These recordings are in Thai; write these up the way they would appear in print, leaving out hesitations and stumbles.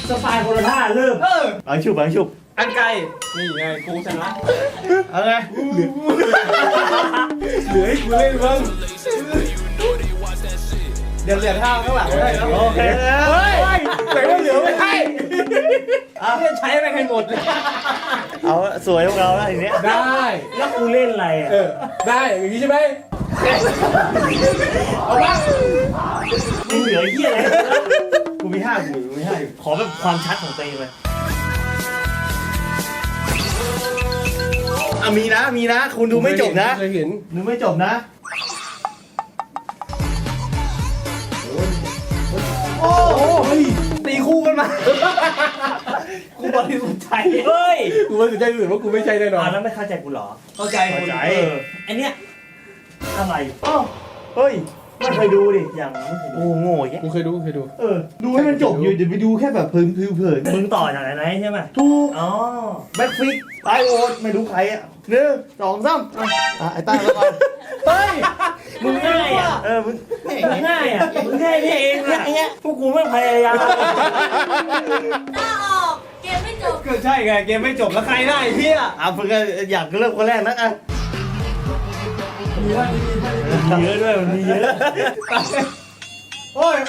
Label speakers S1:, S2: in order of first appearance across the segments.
S1: สปายคนละท่าเริ่มบางชุบ
S2: อันไกลนี่ไงกูชนะ
S1: เอาไง
S2: เหลือให้กูเล่นบ้างเดี๋ยวเหลือท่าข้างหลังได้แล้ว
S1: โอเค
S2: เฮ้ยแต่ว่าเหลือไม่ให้ใช้ไปให้หมด
S1: เอาสวยพวกเราแล้วทีเนี้ย
S2: ได้
S1: แล้วกูเล่นอะไรอ่ะ
S2: ได้อย่างนี้ใช่ไหมเอาบ้าง
S1: มึงเหลือเหี้ยอะไรกูมี5อยู่ขอแบบความชัดของตัวเองเลยมีนะคุณดูไม่จบนะ
S2: เคยเห็น
S1: ดูไม่จบนะ
S2: โอ้ยตีคู่กันมากูบริสุทธิ์ใจ
S1: เฮ้ย
S2: กูบริสุทธิ์ใจอื่นว่ากูไม่ใช่แน่นอน
S1: แล้วไม่เข้าใจกูหรอ
S2: เข้าใจ
S1: ไอเนี้ยอะไรเฮ้ยไม่เคยดูดิอย่างโง่แค่
S2: กูเคยดู
S1: ดูให้มันจบอยู่เดี๋ยวไปดูแค่แบบเพลินมึงต่อจากไหนใช่ไหมถูกแบ็คฟิกไอโอ๊ตไม่รู้ใครอ่ะ1 2 3ไอ้ต้าแล้วก่อน
S2: เฮ้ย
S1: มึงง่ายอ่ะมึงง่ายอ่ะมึงง่ายนี่เองเนี่ยพวกกูไม่พยายาม
S3: ต้าออกเกมไม่จบ
S2: ก็ใช่ไงเกมไม่จบแล้วใครได้พี่
S1: มึงก็อยากเริ่มคนแรกนะมีเยอะด้วยมันมีเยอะ
S2: โอ้ย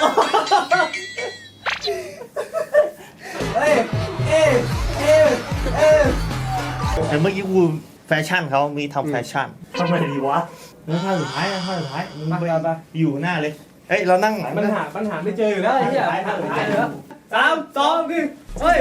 S1: แต่เมื่อกี้กูแฟชั่นเขามีทำแฟชั่นทำไมดีวะท่าสุดท้ายมึงไปอยู่หน้าเลยเรานั่ง
S2: ปัญหาไม่เจออยู่แล้วไอ้เหี้ยท่าสุดท้ายแล้ว3 2 1เฮ้ย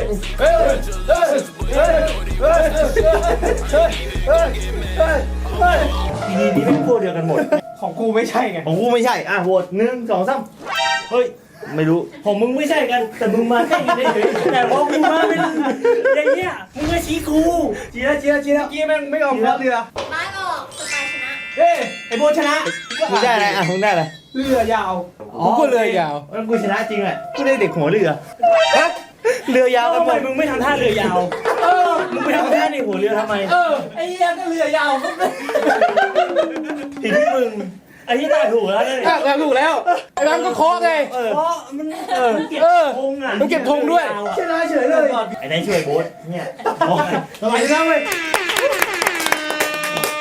S1: นี่เป็นพวกเดียวกันหมด
S2: ของกูไม่ใช่ไง
S1: ของกูไม่ใช่โหวต1 2 3เฮ้ยไม่รู้ของมึงไม่ใช่กันแต่มึงมาใช่กันได้เลยแต่พอมึงมาเป็นอย่างเงี้ยมึงก็ชี้กู
S2: ชี้แล้วกี้แม่งไม่ยอมพับเรือ
S3: ไม้ออกสปายชนะ
S2: ไอ้โบชนะ
S1: มึงได้อะไรมึงได้อะไร
S2: เรือยาวกูก็เรือยาว
S1: แล้วกูชนะจริงอ่ะกูได้เด็กหัวเรือเรือยาวทำไมมึงไม่ทำท่าเรือยาวมึงไปทำท่าในหัวเรือทำไม
S2: ไอ้เหี้ยก็เรือยาวก็
S1: ผิดที่มึงไอ้ที่ตาถูกแล้วเนี่ย
S2: ถูกแล้วไอ้บ้านก็เคาะไง
S1: เคาะมันเก็บธงอ่ะ
S2: มันเก็บธงด้วยชนะเฉยเลย
S1: ไอ้นายช่วยโบ๊ทเนี่ย
S2: ทำไมชนะเว้ย